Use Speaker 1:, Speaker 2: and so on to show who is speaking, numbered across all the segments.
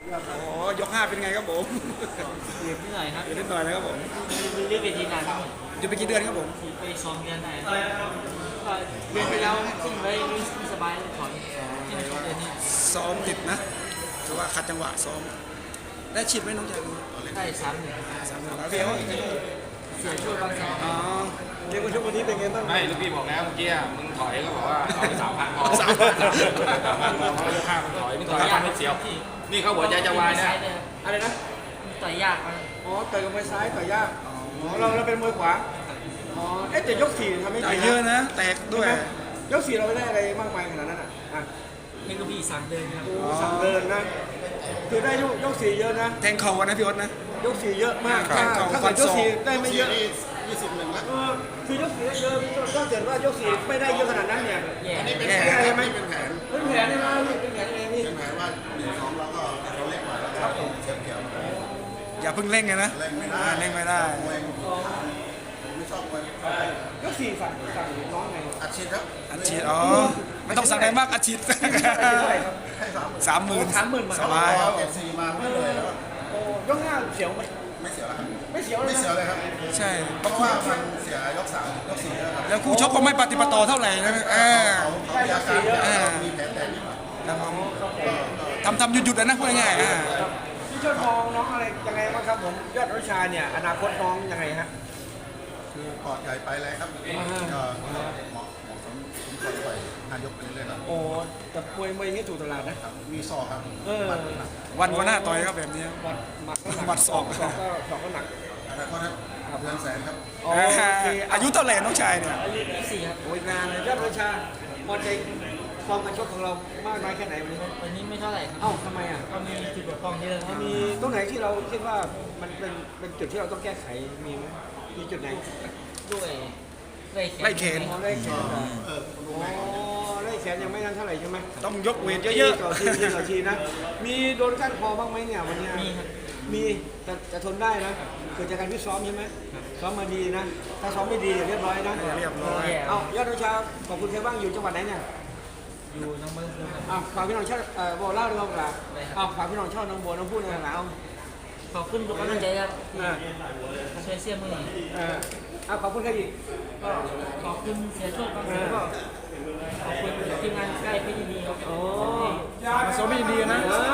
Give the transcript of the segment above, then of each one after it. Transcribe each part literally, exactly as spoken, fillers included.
Speaker 1: โอ้ยกห้าเป็นไงครับผม
Speaker 2: เรียบนิดหน่อยครับ
Speaker 1: เดี๋ยวนิดหน่อยนะครับผม
Speaker 2: เรียกเวทีนานครับ
Speaker 1: จะไปกี่เดือนครับผม
Speaker 2: ไปซ้อมเดือนไหนก็เดือนที่แล้วขึ้นไว้ไม่สบายถอนที่ในช่วงเดือนนี้
Speaker 1: ซ้อมติดนะถือว่าขัดจังหวะซ้อมได้ฉีดไหมน้องชาย
Speaker 2: ได้สามหนึ่ง
Speaker 1: สามหนึ่งแล้วเรียกว่า
Speaker 2: เสียช่วยบางสัน
Speaker 1: อ๋อเรียกว่าช่วงวันนี้เป็นไงบ้าง
Speaker 3: ไม่ลูกพี่บอกแล้วเมื่อกี้อะมึงถอยก็บอกว่าเอาไปสามพันพอ
Speaker 1: สามพัน
Speaker 3: สามพันพอเขายกข้ามมึงถอยมึงถอยฟันไม่เสียว นี่เขาหัวใจจะวายนะ
Speaker 4: อะไรนะ
Speaker 2: ต่อยยากมัน
Speaker 4: อ๋อต่อยกับมวยซ้ายต่อยยากอ๋อเราเราเป็นมวยขวาอ๋อเอ๊ะแต่ยกสี่ทำไม่
Speaker 1: จ่า
Speaker 4: ดี
Speaker 1: ยเยอะนะ แตกด้วย
Speaker 4: ยกสี่เราไม่ได้อะไรมากมายขนาดนั้นอ่ะอ่ะ
Speaker 2: ให้ลูกพี่สั่งเดินครับ
Speaker 4: โอ้สั่งเดินนะคือได้ยกยกสี่เยอะนะ
Speaker 1: แทงเข่ากันนะพี่อ๊ตนะ
Speaker 4: ยกสี่เยอะมาก
Speaker 1: ครั
Speaker 4: ถ้า
Speaker 1: บ
Speaker 4: ถ้า
Speaker 1: ฟั
Speaker 4: เกิ
Speaker 1: น
Speaker 4: ดย
Speaker 1: ศอก
Speaker 4: กสี่ได้ไม่เยอะยี่สิบหนึ่งแล้วคือยกสี่ได้เยอะถ้าเกิดว่ายกสี่ไม่ได้เยอะขนาดนั้นเนี่ย
Speaker 2: แย่
Speaker 1: แย่
Speaker 4: แย่ไหมเป็นแผนเป็นแผนใช่ไหมเป็นแผนเองนี่
Speaker 5: หมายว่าหนึ่งสองเราก็เราเล่นกว่าแล้วครับผมเฉียบเฉียบ
Speaker 1: อย่าเพิ่งเร่งไงนะ
Speaker 5: เล่นไม่ได้
Speaker 1: อ่าเร่งไม่ได้
Speaker 5: มวยผมไม่ชอบมวย
Speaker 4: ยกสี่สั่งสั่งน้องไง
Speaker 5: อัดฉีดครับ
Speaker 1: อัดฉีดอ๋อไม่ต้องสั่งอะไรมากอัดฉีด
Speaker 5: ให้สามหมื่น
Speaker 1: สามหมื่นสบาย
Speaker 5: เอาเก็บสี่มาไม่เลยแล้ว
Speaker 4: โอ้ยกหน้าเสียวไหม
Speaker 5: ไม่เสียแล้วครับ
Speaker 4: ไม่เสียวเล
Speaker 5: ไม่
Speaker 4: ย
Speaker 5: เสีย
Speaker 4: นะ
Speaker 5: เลยครับ
Speaker 1: ใช่
Speaker 5: เพราะว่ามันเสียยกสามยกสี่แล้วครับ
Speaker 1: แล้วคู่ชกก็ไม่ปฏิปต่อเท่าไหร่นะเออ
Speaker 5: เขาเขามีอาการแล้วมีแผลแตกนิดหน่อย
Speaker 1: ครับผมทำทำหยุดหยุดๆนะพูดง่ายๆอ่า
Speaker 4: พี่ช่วยมองน้องอะไรยังไงบ้างครับผมยอดวิชาเนี่ยอนาคตน้องยังไงฮะ
Speaker 5: คือปอดใหญ่ไปแล้วครับก็เหมาะเหมาะสมสมควรไปนายกไปเรื่อยๆครับ
Speaker 4: โอ้แต่มวยมวยอย่างนี้ถูกตลาดนะ
Speaker 5: ครับมีซอกครับ
Speaker 4: เออ
Speaker 5: บัตรหนัก
Speaker 1: วันก็น่าต่อยครับแบบนี้
Speaker 4: วัดหมักก็หนัก
Speaker 1: วัดศอก
Speaker 4: ศอกก็ศอกก็หนัก
Speaker 5: อนาคตครับเดือนแสนครับ
Speaker 4: อ๋อ
Speaker 1: อ่า
Speaker 4: โอเค
Speaker 1: อายุเท่าไหร่น้องชายเนี่ย
Speaker 2: อายุยี่สิบสี่ครับ
Speaker 4: โอ้ยงานเลยยอดวิชาพอใจฟอร์มการชกของเรามากน้อยแค่ไหนวันนี้
Speaker 2: วันนี้ไม่เท่าไหร่ครับ
Speaker 4: เอ้าทำไมอ่ะ
Speaker 2: ก็มีจุดบกพร่องเยอะครับ
Speaker 4: มีตรงไหนที่เราคิดว่ามันเป็นเป็นจุดที่เราต้องแก้ไขมีไหมมีจุดไหน
Speaker 2: ด้วยไล่แขน
Speaker 1: ไล่แขน
Speaker 4: อ๋อไล่แขนเหรออ๋อไล่แขนยังไม่นั้นเท่าไหร่ใช่ไหม
Speaker 1: ต้องยกเวทเยอะ
Speaker 4: ต่อทีทีต่อทีนะ มีโดนก้านคอบ้างไหมเนี่ยวันเนี้ย
Speaker 2: มีครับ
Speaker 4: มีแต่แต่ทนได้นะเกิดจากการที่ซ้อมใช่ไหมซ้อมมาดีนะ ถ้าซ้อมไม่ดีเรียบร้อยนะ
Speaker 1: ๆเรียบร้อย
Speaker 4: เอ้ายอดวิชาขอบคุณใครบ้างอยู่จังหวัดไหนเนี่ย
Speaker 2: อยู่น้องเบิ้งครับ
Speaker 4: อ้าวฝากพี่น้องชาติเอ่อบอกเล่าด้วยครับล่ะอ้าวฝากพี่น้องชอบน้องบัวน้องพูดหน่อยนะเอา
Speaker 2: ขอบคุณทุกกำลังใจครับ
Speaker 4: เออ
Speaker 2: ช่วยเสียมือ
Speaker 4: เออเอาขอบคุณใครอีก
Speaker 2: ก็ขอบคุณเสียโชคบางสันก็ขอบคุณทีมงานใกล้พี่ดีครับ
Speaker 4: โอ้
Speaker 1: มาซ้อมไม่ดีนะ
Speaker 4: เออ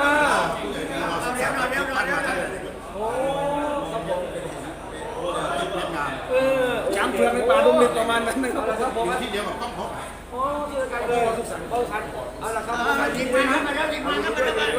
Speaker 4: โอ้ครับผมเออ
Speaker 1: ช้างเผือกในป่าดงดิบประมาณนั้นนะครับ
Speaker 4: เอาละครับผม
Speaker 5: อยู่ที่เดียวกับต้องพบ
Speaker 4: โอ้เจอกันเลยสุขสันต์เข้าทันเอาละครับผมทีมงานครับทีมงานครับ